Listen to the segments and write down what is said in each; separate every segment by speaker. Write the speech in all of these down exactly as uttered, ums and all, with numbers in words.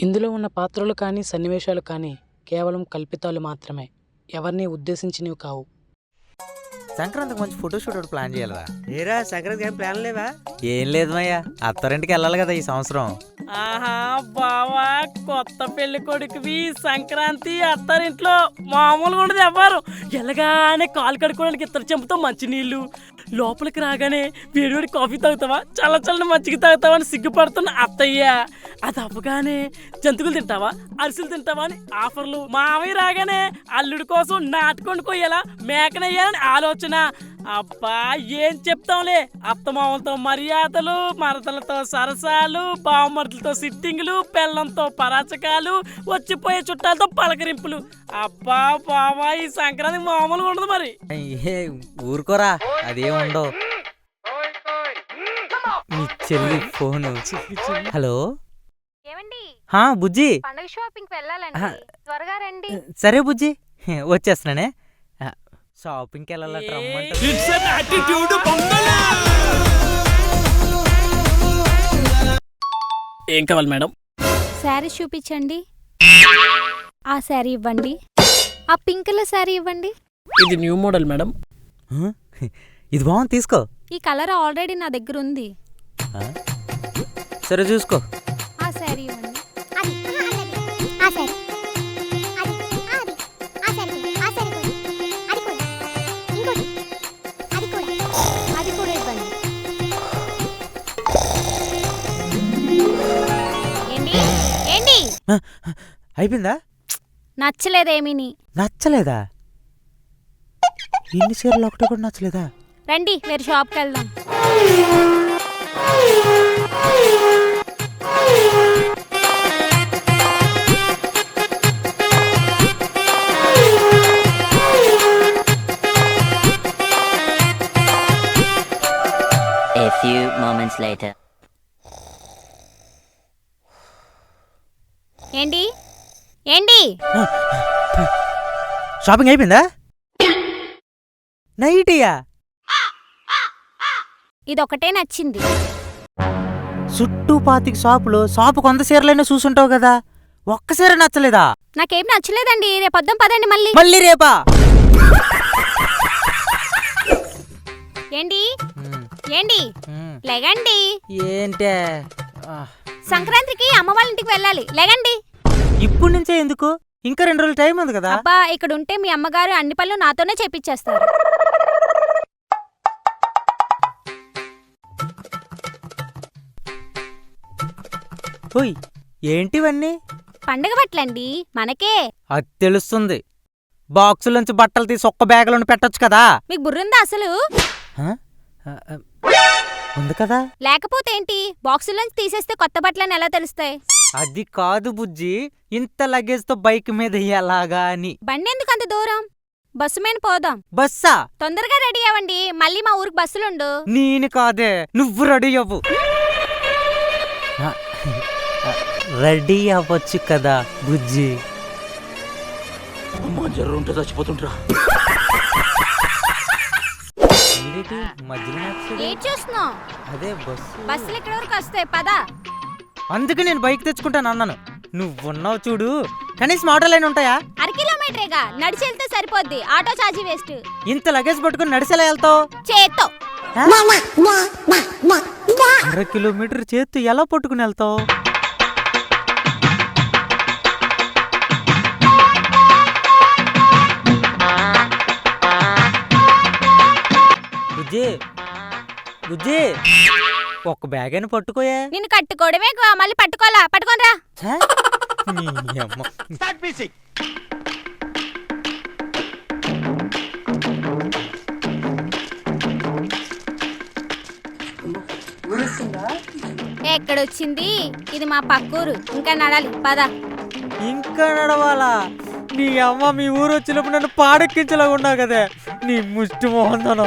Speaker 1: ఇందులో ఉన్న పాత్రలు కానీ సన్నివేశాలు కానీ కేవలం కల్పితాలు మాత్రమే, ఎవరిని ఉద్దేశించినవి కావు.
Speaker 2: సంక్రాంతికి మంచి ఫోటోషూట్ ఒకటి ప్లాన్ చేయాలరా.
Speaker 3: ఏరా సంక్రాంతికి ఏం ప్లాన్ లేవా?
Speaker 2: ఏం లేదు మయ్యా, అత్తారింటికి వెళ్ళాలి కదా ఈ సంవత్సరం.
Speaker 4: ఆహా బావా, కొత్త పెళ్లి కొడుకువి సంక్రాంతి అత్తారింట్లో మామూలుగా ఉండదు. ఎవ్వరు ఎలాగానే కాలు కడుక్కోవడానికి ఇద్దరు చెంపుతో మంచినీళ్ళు, లోపలికి రాగానే వేడివేడి కాఫీ తాగుతావా, చల్ల చల్లని మజ్జిగ తాగుతావా అని సిగ్గుపడుతున్న అత్తయ్య. అది అవ్వగానే జంతువులు తింటావా, అరిసెలు తింటావా అని ఆఫర్లు. మామయ్య రాగానే అల్లుడి కోసం నాటుకొని కొయ్యాలా, మేకనయ్యాలని ఆలోచన. అబ్బా ఏం చెప్తాంలే, అత్తమామలతో మర్యాదలు, మరదలతో సరసాలు, బావమరులతో సిట్టింగులు, బెల్లంతో పరాచకాలు, వచ్చిపోయే చుట్టాలతో పలకరింపులు. అబ్బా బావా, ఈ సంక్రాంతి మామూలుగా ఉండదు మరి.
Speaker 2: ఏ ఊరుకోరా, అదేం ఉండవు. మీ చెల్లి ఫోను. హలో హా బుజ్జి,
Speaker 5: పండుగ షాపింగ్ వెళ్ళాలండి, త్వరగా రండి.
Speaker 2: సరే బుజ్జి వచ్చేస్తున్నానే. షాపింగ్కి వెళ్ళాలట, రమ్మంటే.
Speaker 4: ఏం కావాలి మేడం?
Speaker 5: శారీ చూపించండి. ఆ శారీ ఇవ్వండి. ఆ పింక్ కలర్ శారీ ఇవ్వండి.
Speaker 4: ఇది న్యూ మోడల్ మేడం.
Speaker 2: ఇది బాగుంది, తీసుకో.
Speaker 5: ఈ కలర్ ఆల్రెడీ నా దగ్గర ఉంది.
Speaker 2: సరే చూసుకో.
Speaker 5: ఆ శారీ ఇవ్వండి. అది కూడా ఇవ్వండి. ఏంటి ఏంటి
Speaker 2: అయిపోయిందా?
Speaker 5: నచ్చలేదేమీని.
Speaker 2: నచ్చలేదా? ఇన్ని చీరలు ఒకటి కూడా నచ్చలేదా?
Speaker 5: రండి వేరే షాప్కి వెళ్దాం.
Speaker 6: A few moments later.
Speaker 5: ఏంటి ఏంటి
Speaker 2: షాపింగ్ అయిపోయిందా? నైటియా?
Speaker 5: ఇదొకటే నచ్చింది.
Speaker 2: చుట్టూ పాతికి షాపులు, షాపు కొంత చీరలైనా చూసుంటావు కదా, ఒక్క చీర నచ్చలేదా?
Speaker 5: నాకేం నచ్చలేదండి. రేపొద్దాం పదండి. మళ్ళీ
Speaker 2: మళ్ళీ రేపా?
Speaker 5: ఏంటి ఏంటి లెగండి.
Speaker 2: ఏంటే?
Speaker 5: సంక్రాంతికి అమ్మ వాళ్ళ ఇంటికి వెళ్ళాలి, లెగండి.
Speaker 2: ఇప్పుడు నుంచే ఎందుకు? ఇంకా రెండు రోజులు టైం ఉంది కదా.
Speaker 5: అబ్బా, ఇక్కడ ఉంటే మీ అమ్మగారు అన్ని పనులు నాతోనే చేపించేస్తారు.
Speaker 2: ఓయ్ ఏంటివన్నీ?
Speaker 5: పండగ బట్టలండి, మనకే.
Speaker 2: అది తెలుస్తుంది. బాక్సులోంచి బట్టలు తీసి ఒక్క బ్యాగులను పెట్టొచ్చు కదా.
Speaker 5: మీకు బుర్రుందా అసలు?
Speaker 2: ఉంది కదా.
Speaker 5: లేకపోతే ఏంటి, బాక్సులోంచి తీసేస్తే కొత్త బట్టలని ఎలా తెలుస్తాయి?
Speaker 2: అది కాదు బుజ్జి, ఇంత లగేజ్ తో బైక్ మీద ఎలాగా అని.
Speaker 5: బండి ఎందుకు అంత దూరం? బస్సు మీద పోదాం.
Speaker 2: బస్సా?
Speaker 5: తొందరగా రెడీ అవ్వండి, మళ్ళీ మా ఊరికి బస్సులుండు.
Speaker 2: నేను కాదే, నువ్వు రెడీ అవ్వు. రెడీ అవ్వచ్చు కదా బుజ్జి.
Speaker 3: చచ్చిపోతుంటా.
Speaker 5: ఏం చూస్తున్నావు?
Speaker 2: అదే బస్సు.
Speaker 5: బస్సులు ఇక్కడ వరకు వస్తాయి, పదా.
Speaker 2: అందుకే నేను బైక్ తెచ్చుకుంటాను అన్నాను. నువ్వున్నావు చూడు, కనీసం ఆటోలైనా ఉంటాయా?
Speaker 5: అర కిలోమీటరేగా, నడిచి వెళ్తే సరిపోద్ది. ఆటో ఛార్జీ వేస్ట్.
Speaker 2: ఇంత లగేజ్ పట్టుకుని నడిచేలా వెళ్తావు?
Speaker 5: చేత్తో.
Speaker 2: అర కిలోమీటర్ చేత్తు ఎలా పట్టుకుని వెళ్తావు? బుజ్జి బుజ్జి, ఒక్క బ్యాగ్ అయినా పట్టుకోయే.
Speaker 5: నిన్ను కట్టుకోవడమే మళ్ళీ పట్టుకోవాలా? పట్టుకోనరా. ఎక్కడొచ్చింది? ఇది మా పక్కూరు. ఇంకా నడాలి, పద.
Speaker 2: ఇంకా నడవాలా? నీ అమ్మ మీ ఊరు వచ్చినప్పుడు నన్ను పాడెక్కించలాగా ఉన్నావు కదా, నీ ముష్టి మోహన్.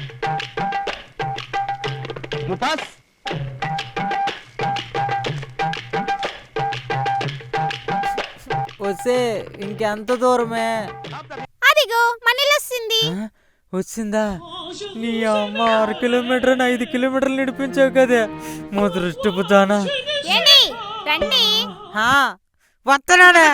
Speaker 2: వస్తే ఇంకెంత దూరమే?
Speaker 5: అదిగో మనీలొస్తుంది.
Speaker 2: వచ్చిందా? నీ అమ్మ ఆరు కిలోమీటర్ ఐదు కిలోమీటర్లు నడిపించావు కదా, మా దృష్టిపు దానా.
Speaker 5: ఏంటి రండి.
Speaker 2: హా వస్తున్నానే.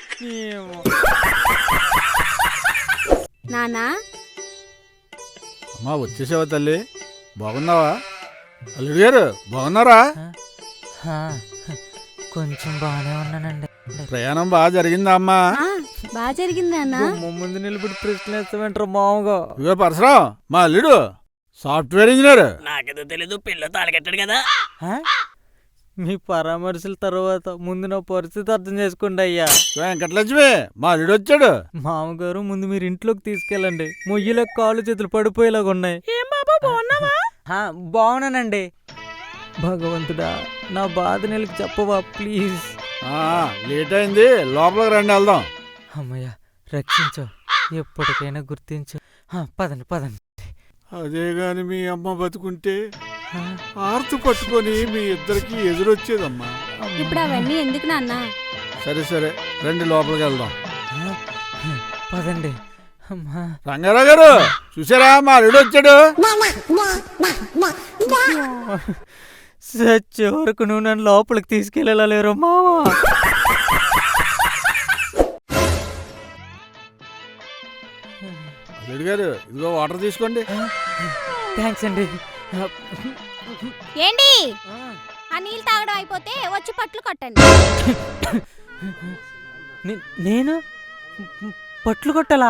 Speaker 5: నానా
Speaker 7: అమ్మా వచ్చేసావా తల్లి? బాగున్నావా? అల్లుడు గారు బాగున్నారా?
Speaker 2: కొంచెం బాగానే ఉన్నానండి.
Speaker 7: ప్రయాణం బాగా జరిగిందా అమ్మా?
Speaker 5: బాగా జరిగింది నాన్న.
Speaker 2: ముందు నిలబడి ప్రశ్న వేస్తామంటారు మామూలుగా.
Speaker 7: ఇదిగో పరసరావు, మా అల్లుడు సాఫ్ట్వేర్ ఇంజనీర్.
Speaker 4: నాకేదో తెలీదు, పిల్ల తాళగట్టాడు కదా.
Speaker 2: మీ పరామర్శల తర్వాత ముందు నా పరిస్థితి అర్థం చేసుకోండి అయ్యా.
Speaker 7: వెంకటలక్ష్మి, మా అల్లుడు వచ్చాడు.
Speaker 2: మామగారు ముందు మీరు ఇంట్లోకి తీసుకెళ్ళండి. మొయ్యిలకు కాళ్ళు చేతులు పడిపోయేలాగా ఉన్నాయి.
Speaker 4: ఏం బాబా బాగున్నావా?
Speaker 2: బాగున్నానండి. భగవంతుడా, నా బాధ నెలకు చెప్పవా ప్లీజ్.
Speaker 7: ఆ, లేట్ అయింది, లోపలికి రండి వెళ్దాం.
Speaker 2: అమ్మయ్య రక్షించు, ఎప్పటికైనా గుర్తించు. పదండి పదండి.
Speaker 7: అదే గాని మీ అమ్మ బతుకుంటే ఆర్తు పట్టుకొని మీ ఇద్దరికి ఎదురొచ్చేదమ్మా.
Speaker 5: ఇప్పుడు అవన్నీ ఎందుకు నాన్న?
Speaker 7: సరే సరే రండి లోపలికి వెళ్దాం.
Speaker 2: పదండి. అమ్మా
Speaker 7: రంగారావు గారు చూసారా, మా అల్లుడు వచ్చాడు.
Speaker 2: సచ్చే వరకు నువ్వు నన్ను లోపలికి తీసుకెళ్ళలేరు మావా.
Speaker 7: అల్లుడు గారు ఇదిగో వాటర్ తీసుకోండి.
Speaker 2: థ్యాంక్స్ అండి.
Speaker 5: ఏంటి ఆ నీళ్ళు తాగడం అయిపోతే వచ్చి పట్లు కొట్టండి.
Speaker 2: నే- నేను పట్లు కొట్టాలా?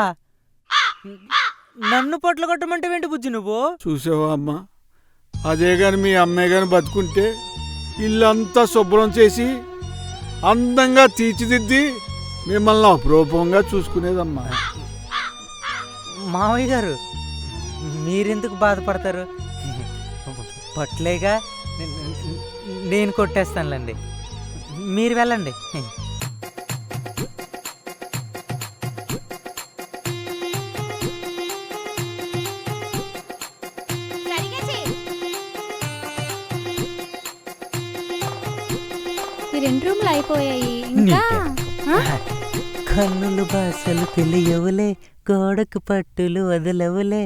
Speaker 2: నన్ను పట్లు కొట్టమంటే ఏంటి బుజ్జి నువ్వు?
Speaker 7: చూసావా అమ్మా, అదే గాని మీ అమ్మాయి గాని బతుకుంటే ఇల్లంతా శుభ్రం చేసి అందంగా తీర్చిదిద్ది మిమ్మల్ని అపురూపంగా చూసుకునేదమ్మా.
Speaker 2: మావయ్య గారు మీరెందుకు బాధపడతారు? పట్లేగా నే- నేను కొట్టేస్తానులేండి, మీరు వెళ్ళండి.
Speaker 5: ఈ రెండు రూమ్లు అయిపోయాయి ఇంకా. ఆ?
Speaker 2: కన్నులు భాషలు తెలియవులే, గోడకు పట్టులు వదలవులే.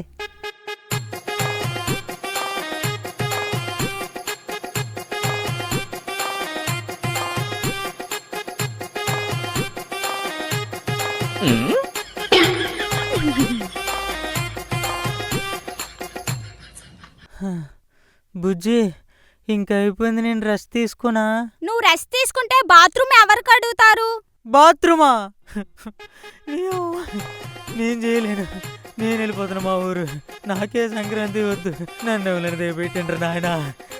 Speaker 2: బుజ్జి ఇంకా అయిపోయింది, నేను రెస్ట్ తీసుకున్నా.
Speaker 5: నువ్వు రెస్ట్ తీసుకుంటే బాత్రూమ్ ఎవరికి అడుగుతారు?
Speaker 2: బాత్రూమా? అయ్యో, నేను చేయలేను, నేను వెళ్ళిపోతున్నా మా ఊరు. నాకే సంక్రాంతి వద్దు, నన్ను ఎవరైనా దేపెట్టిండ్రు నాయనా.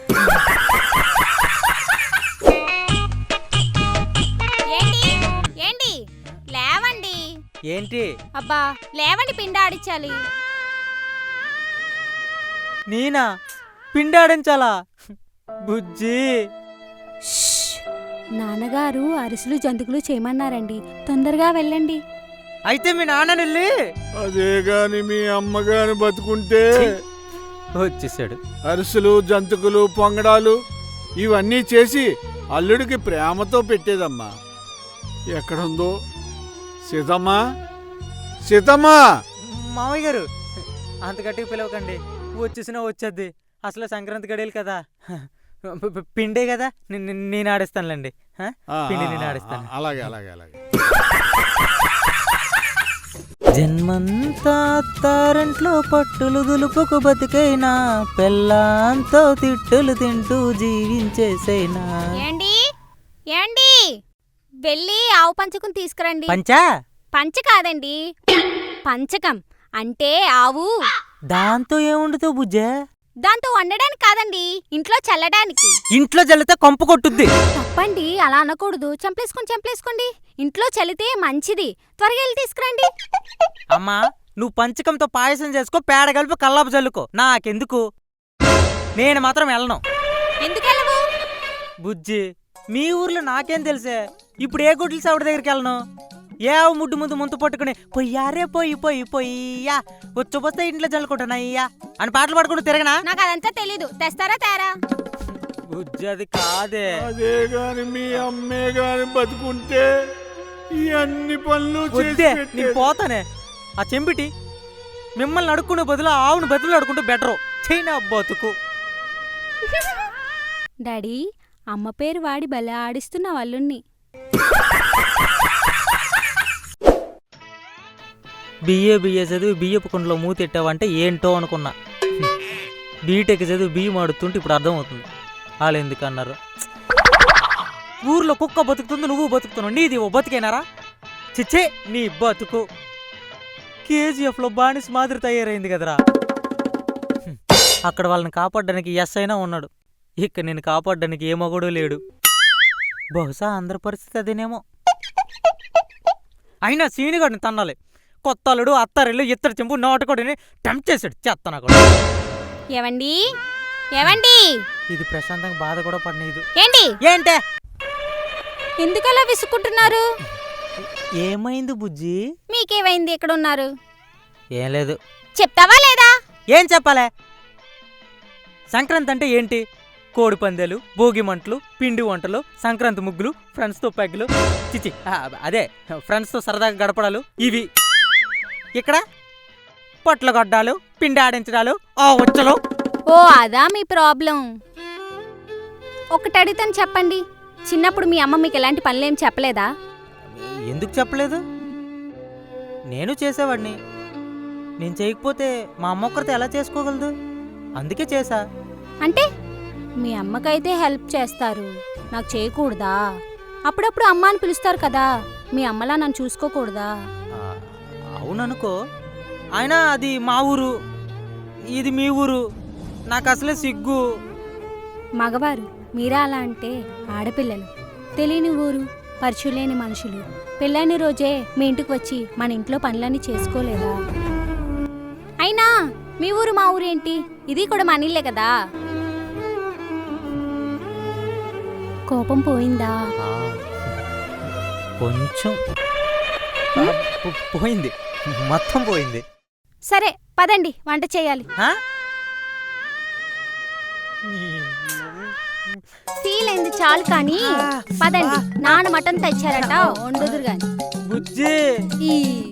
Speaker 5: ఏంటి ఏంటి లేవండి.
Speaker 2: ఏంటి?
Speaker 5: అబ్బా లేవండి, పిండి ఆడించాలి.
Speaker 2: నేనా పిండాడించాలా? బుజ్జి
Speaker 5: నాన్నగారు అరిసెలు జంతుకులు చేయమన్నారండి, తొందరగా వెళ్ళండి.
Speaker 2: అయితే మీ నాన్న వెళ్ళి.
Speaker 7: అదే గాని మీ అమ్మగాని బతుకుంటే
Speaker 2: వచ్చేసాడు.
Speaker 7: అరిసెలు జంతుకులు పొంగడాలు ఇవన్నీ చేసి అల్లుడికి ప్రేమతో పెట్టేదమ్మా. ఎక్కడుందో సీతమ్మా, సీతమ్మా.
Speaker 2: మామయ్య గారు అంత గట్టిగా పిలవకండి, వచ్చేసినా వచ్చేద్ది. అసలు సంక్రాంతి గడియలు కదా, పిండే కదా, నేను ఆడిస్తానులేండి. పిండి నేను ఆడిస్తాను.
Speaker 7: అలాగే అలాగే అలాగే.
Speaker 2: జన్మంతా అత్తారింట్లో పట్టులు దులుపుకు బతికైనా, పెళ్ళాంతో తిట్టులు తింటూ జీవించేసైనా.
Speaker 5: ఏండి ఏండి వెళ్ళి ఆవు పంచకం తీసుకురండి.
Speaker 2: పంచా?
Speaker 5: పంచ కాదండి, పంచకం అంటే ఆవు.
Speaker 2: దాంతో ఏముండుతో బుజ్జే?
Speaker 5: దాంతో వండడానికి కాదండి, ఇంట్లో చల్లడానికి.
Speaker 2: ఇంట్లో చల్లితే కొంప కొట్టుద్ది.
Speaker 5: తప్పండి, అలా అనకూడదు. చంపేసుకోండి చంపేసుకోండి, ఇంట్లో చల్లితే మంచిది. త్వరగా వెళ్ళి తీసుకురండి.
Speaker 2: అమ్మా, నువ్వు పంచకంతో పాయసం చేసుకో, పేడ కలిపి కల్లాపు చల్లుకో, నాకెందుకు. నేను మాత్రం వెళ్ళను.
Speaker 5: ఎందుకెళ్ళవు?
Speaker 2: బుజ్జి, మీ ఊర్లో నాకేం తెలుసే. ఇప్పుడు ఏ గుడ్లు సౌడి దగ్గరికి వెళ్ళను. ఏ ముడ్డు ముందు ముందు పట్టుకుని పొయ్యారే పొయ్యి పొయ్యి పొయ్యా వచ్చి ఇంట్లో చల్లుకుంటున్నాయ్యా అని పాటలు పాడుకుంటూ తిరగనా?
Speaker 5: నాకు అదంతా తెలీదు, తెస్తారా తేరా?
Speaker 2: బుజ్జి అది కాదే.
Speaker 7: అదే గాని మీ అమ్మే గాని బతుకుంటే ఈ అన్ని పనులు చేసి
Speaker 2: వద్దే, నేను
Speaker 7: పెట్టేది.
Speaker 2: పోతానే. ఆ చెంపిటి మిమ్మల్ని అడుక్కునే బదులు ఆవును బదులు అడుకుంటూ బెటరు. చైనా బతుకు.
Speaker 5: డాడీ, అమ్మ పేరు వాడి భలే ఆడిస్తున్న వాళ్ళుని.
Speaker 2: బిఏ బిఏ చదివి బియ్యపు కుండలో మూతెట్టావంటే ఏంటో అనుకున్నా. బీటెక్ చదివి బియ్యం ఆడుతుంటే ఇప్పుడు అర్థమవుతుంది వాళ్ళు ఎందుకు అన్నారు. ఊర్లో కుక్క బతుకుతుంది, నువ్వు బతుకుతున్నావు, నీది ఓ బతికేనారా? చిచ్చే నీ బతుకు. కేజీఎఫ్లో బానిస మాదిరి తయారైంది కదరా. అక్కడ వాళ్ళని కాపాడడానికి ఎస్ అయినా ఉన్నాడు, ఇక్కడ నేను కాపాడడానికి ఏ మగడు లేడు. బహుశా అందరి పరిస్థితి అదేనేమో. అయినా సీనిగాడిని తన్నాలి. కొత్త అల్లుడు అత్తారిల్లు ఇత్తడి చెంపు నాటుకోడిని టెంప్ట్ చేశాడు చెత్తనా కూడా.
Speaker 5: ఏవండి ఏవండి
Speaker 2: ఇది ప్రశాంతంగా బాధ కూడా పడనీదు.
Speaker 5: ఏంటి
Speaker 2: ఏంటే
Speaker 5: ఎందుకలా విసుక్కుంటున్నారు?
Speaker 2: ఏమైంది బుజ్జి?
Speaker 5: మీకేమైంది? ఎక్కడ ఉన్నారు?
Speaker 2: ఏం లేదు.
Speaker 5: చెప్తావా లేదా?
Speaker 2: ఏం చెప్పాలే? సంక్రాంతి అంటే ఏంటి? కోడి పందాలు, భోగి మంటలు, పిండి వంటలు, సంక్రాంతి ముగ్గులు, ఫ్రెండ్స్తో పెగ్గులు, చిచి అదే ఫ్రెండ్స్తో సరదాగా గడపడాలు ఇవి. ఇక్కడ పొట్ల గొడ్డాలు, పిండి ఆడించడాలు, ఆ వచ్చలు.
Speaker 5: ఓ అదా మీ ప్రాబ్లం. ఒకటి అడిగితేని చెప్పండి, చిన్నప్పుడు మీ అమ్మ మీకు ఎలాంటి పనులేం చెప్పలేదా?
Speaker 2: ఎందుకు చెప్పలేదు? నేను చేసేవాడిని. నేను చేయకపోతే మా అమ్మ ఒక్కరితో ఎలా చేసుకోగలదు? అందుకే చేశా.
Speaker 5: అంటే మీ అమ్మకైతే హెల్ప్ చేస్తారు, నాకు చేయకూడదా? అప్పుడప్పుడు అమ్మ అని పిలుస్తారు కదా, మీ అమ్మలా నన్ను చూసుకోకూడదా?
Speaker 2: అవుననుకో, అయినా అది మా ఊరు, ఇది మీ ఊరు, నాకు అసలే సిగ్గు.
Speaker 5: మగవారు మీరా అలా అంటే ఆడపిల్లలు, తెలియని ఊరు, పరిచయం లేని మనుషులు, పెళ్ళైన రోజే మీ ఇంటికి వచ్చి మన ఇంట్లో పనులన్నీ చేసుకోలేదా? అయినా మీ ఊరు మా ఊరు ఏంటి, ఇది కూడా మన ఇల్లే కదా. కోపం పోయిందా?
Speaker 2: కొంచెం పోయింది, మొత్తం పోయింది.
Speaker 5: సరే పదండి, వంట చేయాలి. ఫీల్ అయింది చాలు కానీ పదండి, నాన్న మటన్ తెచ్చారట, వండుదురు గాని.
Speaker 2: బుజ్జి
Speaker 5: ఈ